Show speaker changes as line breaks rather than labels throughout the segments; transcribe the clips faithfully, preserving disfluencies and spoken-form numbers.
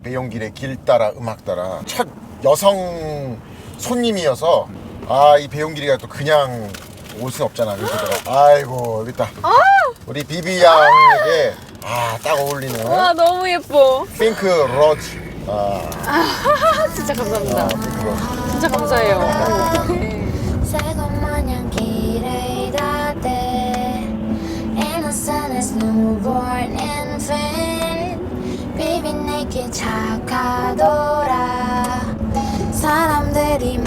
배용길의 길 따라 음악 따라 첫 여성 손님이어서 아 이 배용길이가 또 그냥 올 순 없잖아. 그래서 내가 아이고 여기 있다.
아!
우리 비비 양에게 아 딱 어울리는
와 너무 예뻐.
핑크 로즈. 아,
아 진짜 감사합니다.
아 핑크 로즈.
진짜 감사해요.
새콤 마냥 길에 닿대 Innocent as newborn infant Baby 내게 착하더라 사람들이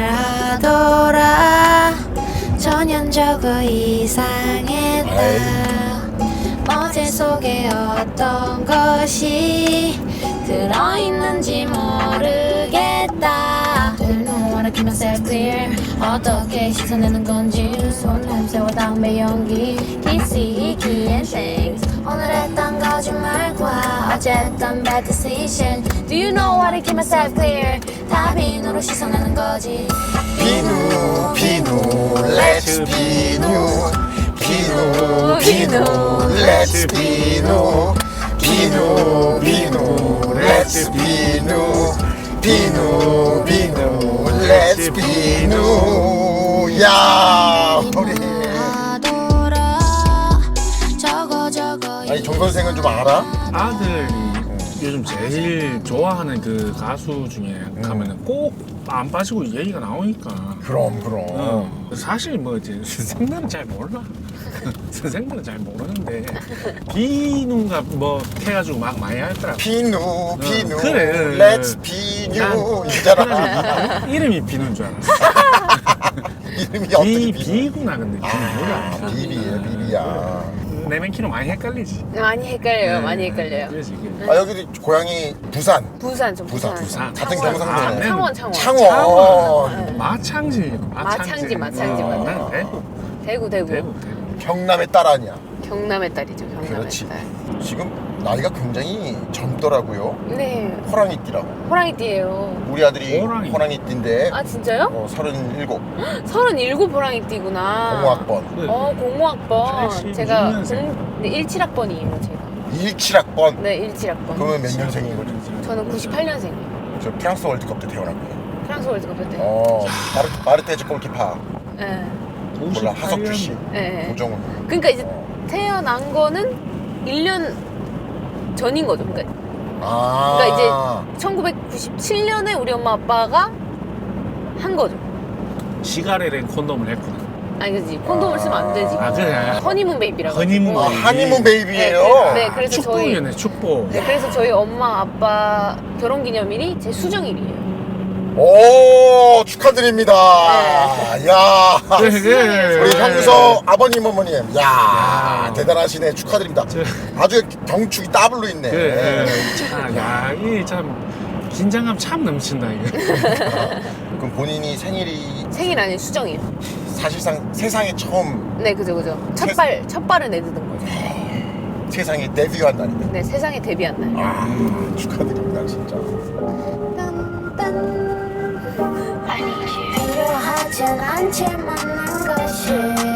말하더라 전형적으로 이상했다 어제 속에 어떤 것이 들어있는지 모르겠다 Don't know how to keep myself clear 어떻게 씻어내는 건지 손 냄새와 담배 연기 기시기 and things 오늘 했던 거짓말과 어쨌던 bad decision Do you know how to keep myself clear 다 비누로 씻어내는 거지
비누 비누 Let's 비누 비누 비누 Let's 비누 비누 비누 Let's 비누 비누 비누 Let's 비누 야 우리
저거 저거
아니 정 선생은 좀 알아?
아들이 요즘 제일 좋아하는 그 가수 중에 가면은 꼭 안 빠지고 얘기가 나오니까.
그럼 그럼
어. 사실 뭐 이제 선생들은 잘 몰라. 선생들은 잘 모르는데 비누가 뭐 해가지고 막 많이 하더라고.
비누 비누
그래.
Let's 비누 이잖아.
이름이 비누인 줄 알았어.
이름이 어떻게
비,
비누?
비구나 근데 비누
아
뭐야?
비비야 비비야.
내맨키로 많이 헷갈리지.
많이 헷갈려요.
네.
많이 헷갈려요.
그래서 이게
아 여기도 고향이 부산.
부산 좀
부산,
부산.
부산. 같은
창원.
경상도네.
아, 창원 창원.
창원.
네.
마창지.
마창지, 마창지,
어,
맞아요.
난 대구.
대구 대구.
대구. 대구.
경남의 딸 아니야.
경남의 딸이죠. 경남의
그렇지.
딸.
지금 나이가 굉장히 젊더라고요.
네.
호랑이띠라고.
호랑이띠예요.
우리 아들이
호랑이.
호랑이띠인데
아 진짜요?
어, 서른일곱
서른일곱 호랑이띠구나.
공학번
어 공모학번.
팔십육
제가
년생.
공, 네, 일칠학번이에요 제가.
일칠학번.
네 일칠학번.
그러면 몇 년생인 거죠?
저는 구십팔년생이에요.
저 프랑스 월드컵 때 태어났고요.
프랑스 월드컵 때.
어, 마르, 마르테즈 골키파.
네.
몰라, 하석주 씨.
네. 네.
고정훈.
그러니까 이제 태어난 거는 일 년 전인 거죠. 그러니까
아.
그러니까 이제 천구백구십칠년에 우리 엄마 아빠가 한 거죠.
시가레렌 콘돔을 했구나.
아니 그지 콘돔을 쓰면 안 되지.
아, 그래.
허니문 베이비라고.
허니문
아,
베이비.
하니문 베이비예요.
네, 네, 그래서 저희
축복이네 축복.
네, 그래서 저희 엄마 아빠 결혼 기념일이 제 수정일이에요.
오, 축하드립니다.
네.
야.
그래, 그래.
우리 형서 아버님 어머님. 야,
야.
대단하시네. 축하드립니다.
저-
아주 경축이 더블로 있네.
그래. 참, 야, 이참 긴장감 참 넘친다 이거.
그럼 본인이 생일이
생일 아닌 수정이에요.
사실상 세상에 처음
네, 그죠, 그죠. 첫발 첫 발을 내딛은 거죠.
세상에 데뷔한 날인데.
네, 세상에 데뷔한 날.
아, 축하드립니다, 진짜.
필요하진 않지만 난 것이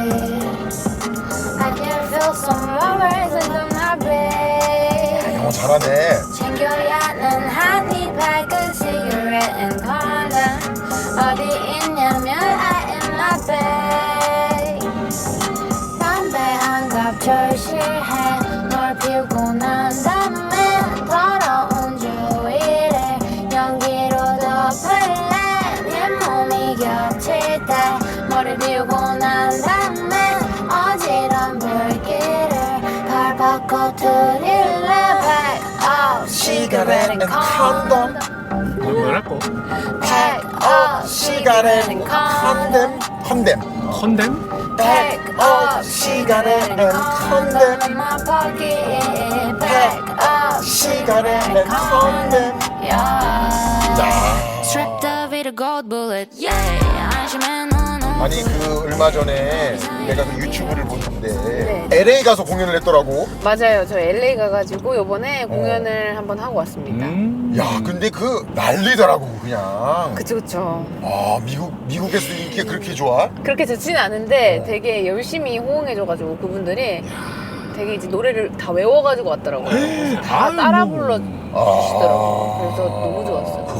I can feel some words under my bed
영어 잘하네.
챙겨야 하는 한입 밝은 cigarette and condom 어디 있냐면 I am my bag 담배 한 갑 절실해 널 피우고 난 다음에 더러운 주위를 연기로 덮을래 내 몸이 겹칠 때 머리 비우고 난 다음에 어지러운 불길을 발바꿔 드릴래 Pack up cigarette and condom
뭐, 뭐라고?
Pack up
시가렛
cigarette and condom
컨뎀 컨뎀
컨뎀?
Pack up cigarette and condom in my pocket Pack up
시가렛 앤 컨뎀.
yeah
야.
Stripped of it a gold bullet yeah 안심해 너는
아니 그 얼마 전에 내가 그 유튜브를 보는데
네.
엘에이 가서 공연을 했더라고.
맞아요. 저 엘에이 가가지고 요번에 공연을 한번 하고 왔습니다.
음.
야, 근데 그 난리더라고 그냥.
그쵸, 그쵸.
아, 미국 미국에서 인기가 그렇게 좋아?
그렇게 좋지는 않은데
어.
되게 열심히 호응해줘가지고 그분들이 되게 이제 노래를 다 외워가지고 왔더라고요. 그래서 다
아이고.
따라 불러
아.
주시더라고요.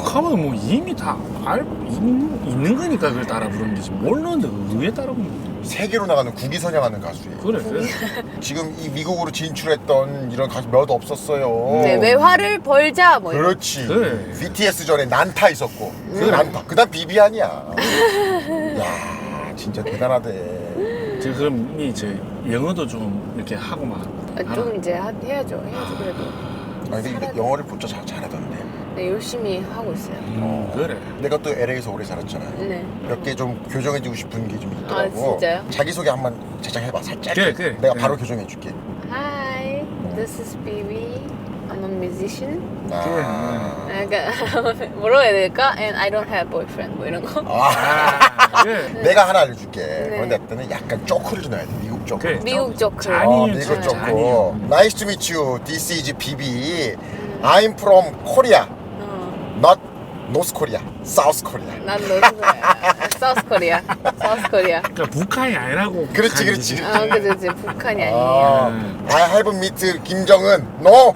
하면 뭐 이미 다 알, 있는 거니까 그걸 따라 부르는 거지. 모르는데 왜 따라 부르는 거지?
세계로 나가는 국위선양하는 가수예요.
그래, 그래.
지금 이 미국으로 진출했던 이런 가수 몇 없었어요.
네, 외화를 벌자 뭐 이런.
그렇지.
그래.
비티에스 전에 난타 있었고.
그래.
난타. 그다음 비비안이야. 야, 진짜 대단하대.
지금 그럼 이제 영어도 좀 이렇게 하고 막.
아, 좀 이제 하- 해야죠. 해야죠 그래도.
아니 근데 영어를 진짜 잘 잘하던데.
네, 열심히 하고 있어요.
음, 그래.
내가 또 엘에이에서 오래 살았잖아.
네.
몇 개 좀 교정해주고 싶은 게 좀 있더라고.
아, 진짜요?
자기소개 한번 제작해봐 살짝.
그래, 그래.
내가
그래.
바로 교정해줄게.
Hi, this is Bibi. I'm a musician.
아.
약간 뭐라고 해야 될까? And I don't have boyfriend 뭐 이런 거.
아.
아, 그래.
내가 하나 알려줄게.
네.
그런데 때는 약간 쪼크를 좀 넣어야 돼. 미국 쪼크.
그래.
미국 조크.
잔이-
어,
아니에요,
미국
진짜
쪼크.
아니에요.
Nice to meet you. This is 비비. I'm from Korea.
어,
Not North Korea. South Korea.
난 노스코리아. 사우스 코리아. 사우스 코리아.
그러니까 북한이 아니라고.
그렇지,
북한이지.
그렇지.
아, 그치, 그치. 북한이 아니에요.
아, I have met 김정은. No.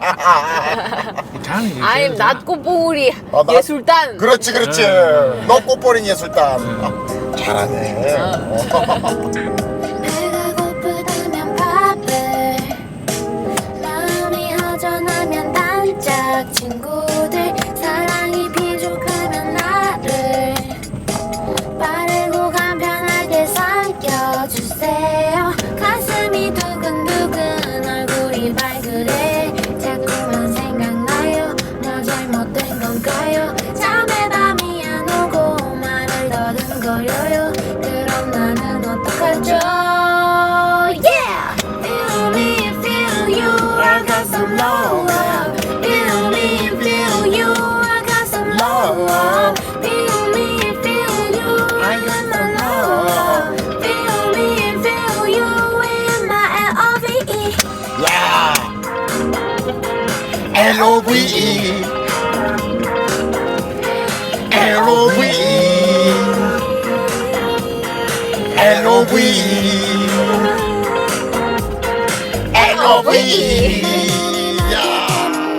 자는
I'm not 꽃봉우리
아, 나-
예술단.
그렇지, 그렇지.
네.
너 꽃버린 예술단. 아, 잘하네. 어.
배가 고프다면 밥을 마음이 허전하면 단짝 친구들 사랑이 비족하면 나를 빠르고 간편하게 삼켜주세요 가슴이 두근두근 얼굴이 발그레 자꾸만 생각나요 나 잘못된 건가요 잠에 밤이 안 오고 말을 더듬거려요 그럼 나는 어떡하죠 Yeah! Feel me, feel you I got some love Feel me, feel you I got some love Feel me, feel you I got some love Feel me, feel you in my L O V E
야. L O V E. L O V E. L O V E. L O V E. 야.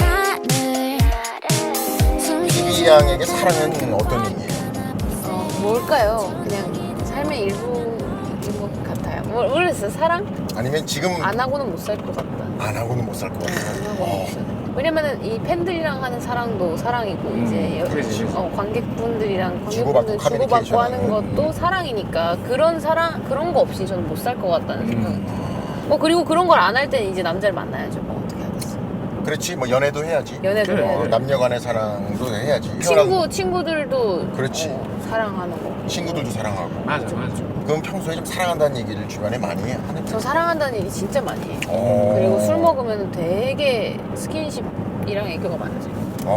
비비 양에게 사랑은 어떤 의미예요?
어, 뭘까요? 그냥 삶의 일부인 것 같아요. 모- 모르겠어요. 사랑?
아니면 지금
안 하고는 못 살 것 같다.
안 하고는 못 살 것 같아요.
안 하고는
어.
못 살. 왜냐면은 이 팬들이랑 하는 사랑도 사랑이고
음,
이제 여-
그렇지, 그렇지.
어, 관객분들이랑
주고받고
관객분들 주고받고
커뮤니케이션
하는
하는.
것도 사랑이니까 그런 사랑 그런 거 없이 저는 못 살 것 같다는 생각.
음.
어 그리고 그런 걸 안 할 때는 이제 남자를 만나야죠. 뭐 어떻게 하겠어.
그렇지, 뭐 연애도 해야지.
연애도
그래.
해야
어,
돼.
남녀간의 사랑도 해야지.
친구 친구들도
그렇지.
어, 사랑하는 거.
친구들도 사랑하고.
맞아, 맞아.
그럼 평소에 좀 사랑한다는 얘기를 주변에 많이 하는
저 사랑한다는 얘기 진짜 많이 해요.
어.
그리고 술 먹으면 되게 스킨십이랑 애교가 많아져요.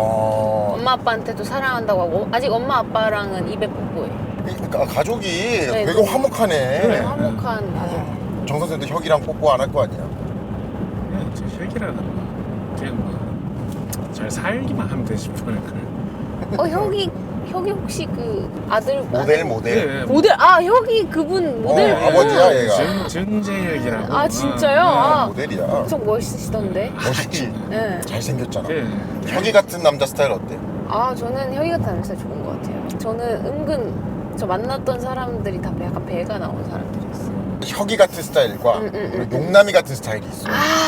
어.
엄마 아빠한테도 사랑한다고 하고 아직 엄마 아빠랑은 입에 뽀뽀해.
그러니까 가족이
네,
되게
네.
화목하네.
그래, 화목한 가족.
정 선생도 혁이랑 뽀뽀 안 할 거 아니야?
그냥 저 혁이라는 거 그냥 뭐잘 살기만 하면 되지 뭐.
어 혁이 혁이 혹시 그 아들
모델
아들-
모델.
그래.
모델 아 혁이 그분 모델.
어, 아버지야, 얘가.
정, 정재혁이라고.
아, 진짜요?
어,
아.
모델이야.
엄청 멋있으시던데.
멋있지.
네.
잘생겼잖아.
그래.
혁이 같은 남자 스타일 어때?
아 저는 혁이 같은 남자 좋은 것 같아요. 저는 은근 저 만났던 사람들이 다 약간 배가 나온 사람들이었어요.
혁이 같은 스타일과
음, 음, 음.
용남이 같은 스타일이 있어.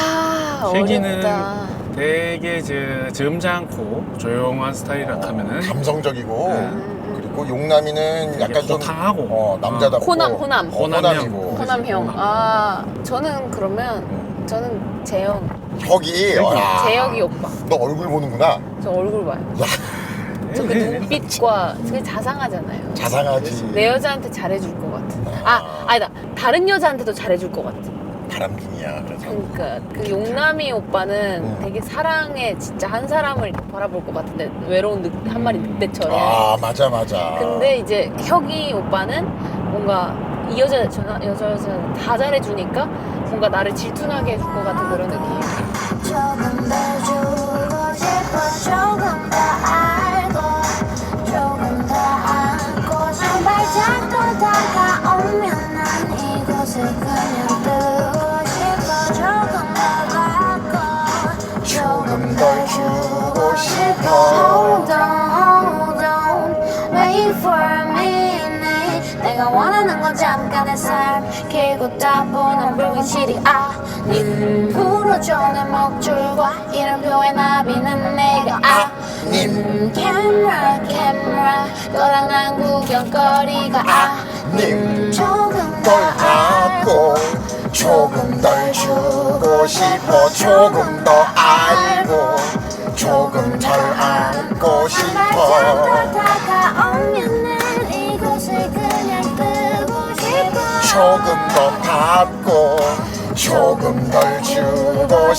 아
혁이는
어렵다.
되게 저 점잖고 조용한 스타일이라 하면은
감성적이고
네.
음,
그리고 용남이는
되게
약간 좀
호탕하고.
어, 남자답고
호남, 호남.
어,
호남형.
호남이고
호남형.
호남.
아 저는 그러면 저는 재영.
혁이 와,
재혁이 오빠.
너 얼굴 보는구나.
저 얼굴 봐요.
야,
저 그
네, 네.
눈빛과 되게 자상하잖아요.
자상하지.
내 여자한테 잘해줄 것 같은. 아 아니다. 다른 여자한테도 잘해줄 것 같은.
바람둥이야. 그래서
그러니까 그 용남이 오빠는
음.
되게 사랑에 진짜 한 사람을 바라볼 것 같은데 외로운 늑, 한 마리 늑대처럼.
아 맞아 맞아.
근데 이제 혁이 오빠는 뭔가 이 여자 저 여자 여자 다 잘해주니까 뭔가 나를 질투나게 해줄 것 같은 그런 느낌.
조금 더 주고 싶어 조금 더 알고 조금 더 안고 한 발짝 더 다가오면 난 이곳을 그냥 뜨고 싶어 조금 더 받고 조금 더 주고 싶어 Hold on 잠깐의 삶 길고 따분한 불길실이 아님 풀어줘 내 목줄과 이름표의 나비는 내가 아님 camera camera 너랑 난 구경거리가
님
조금
널 안고 조금 덜 주고 싶어 조금 더 알고 조금 덜 안고 싶어
다가오면 난 이곳을 그냥 뜨고 싶어
조금 더 받고 조금 덜 주고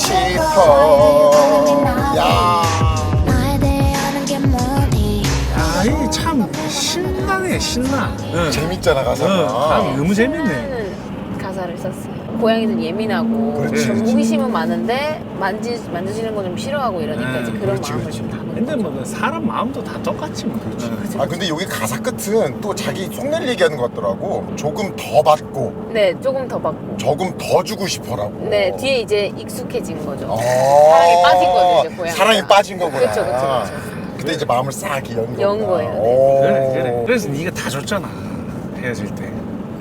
싶어 야
나에 대해 아는 게 뭐니
야, 이게 참 신나네, 신나. 응.
재밌잖아
응.
가사가
아, 너무 재밌네.
하는 가사를 썼어요. 고양이는 예민하고
그렇지,
좀
그렇지.
호기심은 많은데 만지 만져지는 거 좀 싫어하고 이러니까 이제
음,
그런
그렇지,
마음을
그렇지.
좀 담은
근데
거죠.
뭐 사람 마음도 다 똑같지 뭐. 그렇지.
아 근데 여기 가사 끝은 또 자기 속내를 얘기하는 것 같더라고 조금 더 받고
네, 조금 더 받고.
조금 더 주고 싶어라고
네, 뒤에 이제 익숙해진 거죠.
어.
사랑에 빠진 거죠, 이제 고양이가.
사랑에 빠진 거구나
그쵸, 그쵸, 그쵸.
그때 이제 마음을 싹 연 거구나
연 거예요, 네.
오.
그래, 그래. 그래서 네가 다 줬잖아. 헤어질 때.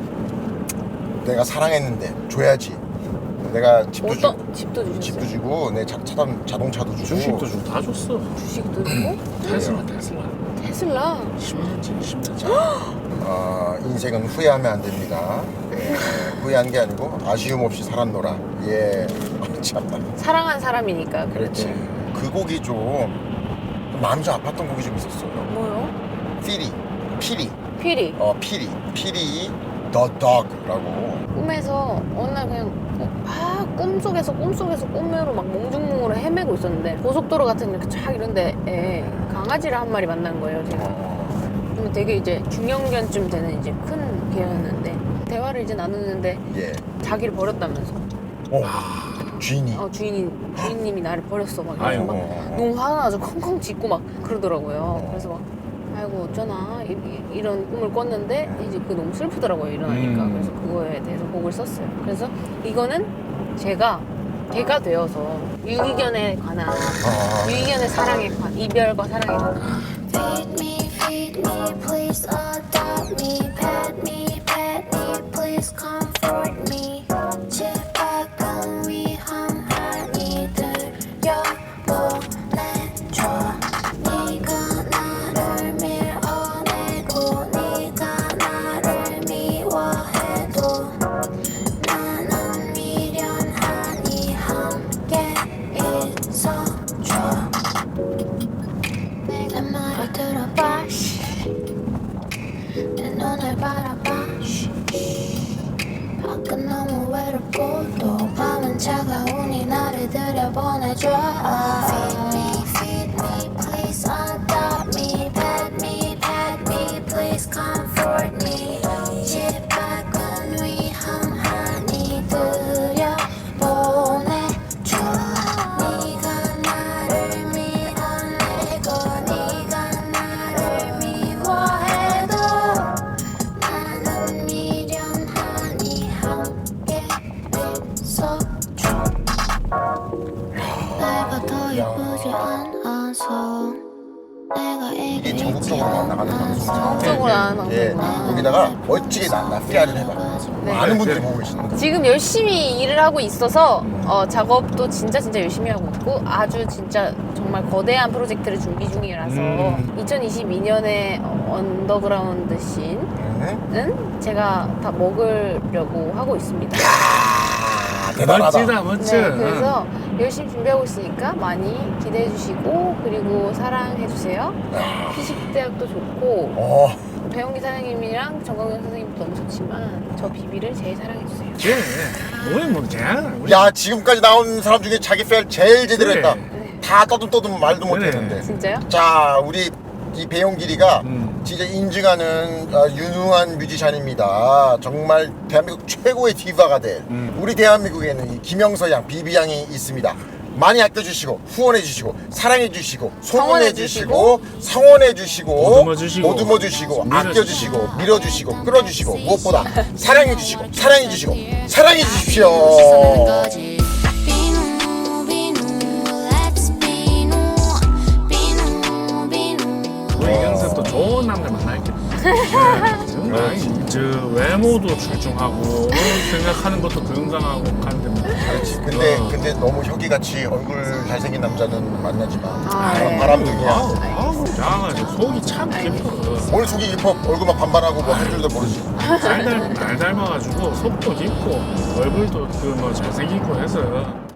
내가 사랑했는데 줘야지 내가 집도 주고
어떤 집도 주셨어요?
집도 주고 내 자, 차, 자동차도 주고
주식도 주고 다 줬어.
주식도 주고
테슬라, 테슬라.
테슬라.
십 년째, 십 년째.
어, 인생은 후회하면 안 됩니다. 예, 후회한 게 아니고 아쉬움 없이 살았노라. 예, 참나.
사랑한 사람이니까.
그렇지. 그 곡이 좀 마음이 좀 아팠던 곡이 좀 있었어요.
뭐요?
피리, 피리,
피리.
어 피리, 피리 The Dog라고.
꿈에서 어느 날 그냥 어, 아 꿈속에서 꿈속에서 꿈으로 막 몽중몽으로 헤매고 있었는데 고속도로 같은 이렇게 쫙 이런데 에 강아지를 한 마리 만난 거예요 제가.
어,
그러면 되게 이제 중형견쯤 되는 이제 큰 개였는데 대화를 이제 나누는데
예.
자기를 버렸다면서.
어, 주인이.
어 주인이 주인님이 나를 버렸어 막
아이고.
이러면서 막 너무 화가 나서 컹컹 짖고 막 그러더라고요. 그래서 막 아이고 어쩌나 이, 이- 이런 꿈을 꿨는데 이제 그 너무 슬프더라고요 일어나니까.
음.
그래서 그거에 대해서 곡을 썼어요. 그래서 이거는 제가 개가 되어서 유기견에 관한
아,
유기견의 사랑에 관한 이별과 사랑에 관한
Feed me, feed me, please adopt me. Pet me, pet me, please comfort me. 집밖은 위험하니 들여보내줘. 네가 나를 밀어내고 네가 나를 미워해도 나는 미련하니 함께 있어줘. 내 말을 들어봐 내 눈을 바라봐 밖은 너무 외롭고 또 밤은 차가우니 나를 들여보내줘. Feed me, feed me, please adopt me. Pet me, pet me, please comfort me. 집 밖은 위험하니 들여보내줘. 네가 나를 밀어내고 네가 나를 미워해도 나는 미련하니 함께 있어줘. 내가 더 예쁘지 않아서 내가
이게
이기지
전국적으로 안 나가는 방송.
전국적으로 하는
예,
방송이구나.
거기다가 멋지게 나, 나 피아를 해봐.
네.
많은 분들이 보고 계시는데.
지금 열심히 일을 하고 있어서 어, 작업도 진짜 진짜 열심히 하고 있고 아주 진짜 정말 거대한 프로젝트를 준비 중이라서
음.
이천이십이 년에 언더그라운드 씬은
응?
제가 다 먹으려고 하고 있습니다.
아, 대단하다.
멋지다, 멋져.
네, 그래서 열심히 준비하고 있으니까 많이 기대해 주시고 그리고 사랑해 주세요. 피식대학도 좋고
어,
배용기 사장님이랑 정광현 선생님도 너무 좋지만 저 비비를 제일 사랑해 주세요.
그래. 뭐야, 뭐, 쟤. 우리
야 지금까지 나온 사람 중에 자기 페일 제일 제대로
그래.
했다. 다 떠듬 떠듬 말도
그래.
못했는데.
진짜요?
자 우리 이 배용길이가
음.
진짜 인증하는 어, 유능한 뮤지션입니다. 정말 대한민국 최고의 디바가 될
음.
우리 대한민국에는 이 김영서 양, 비비 양이 있습니다. 많이 아껴주시고 후원해주시고 사랑해주시고 소문해주시고 성원해주시고
보듬어주시고,
보듬어주시고
밀어주시고,
아껴주시고 밀어주시고 끌어주시고 무엇보다 사랑해주시고 사랑해주시고 사랑해주십시오.
비누 비누 let's 비누 비누 비누
우리 영상 또 좋은 남자 만나야겠다. 네, 지금 아니, 저 외모도 출중하고 생각하는 것도 건강하고 간데 뭐.
그렇지. 근데
어.
근데 너무 혁이같이 얼굴 잘생긴 남자는 만나지 마.
아, 네.
바람둥이야.
아우, 아우, 야가지고 속이 참 깊어.
뭘 속이 깊어. 얼굴만 반반하고 뭐 한 줄도 모르지.
날, 닮, 날 닮아가지고 속도 깊고 얼굴도 그 뭐 잘생기고 해서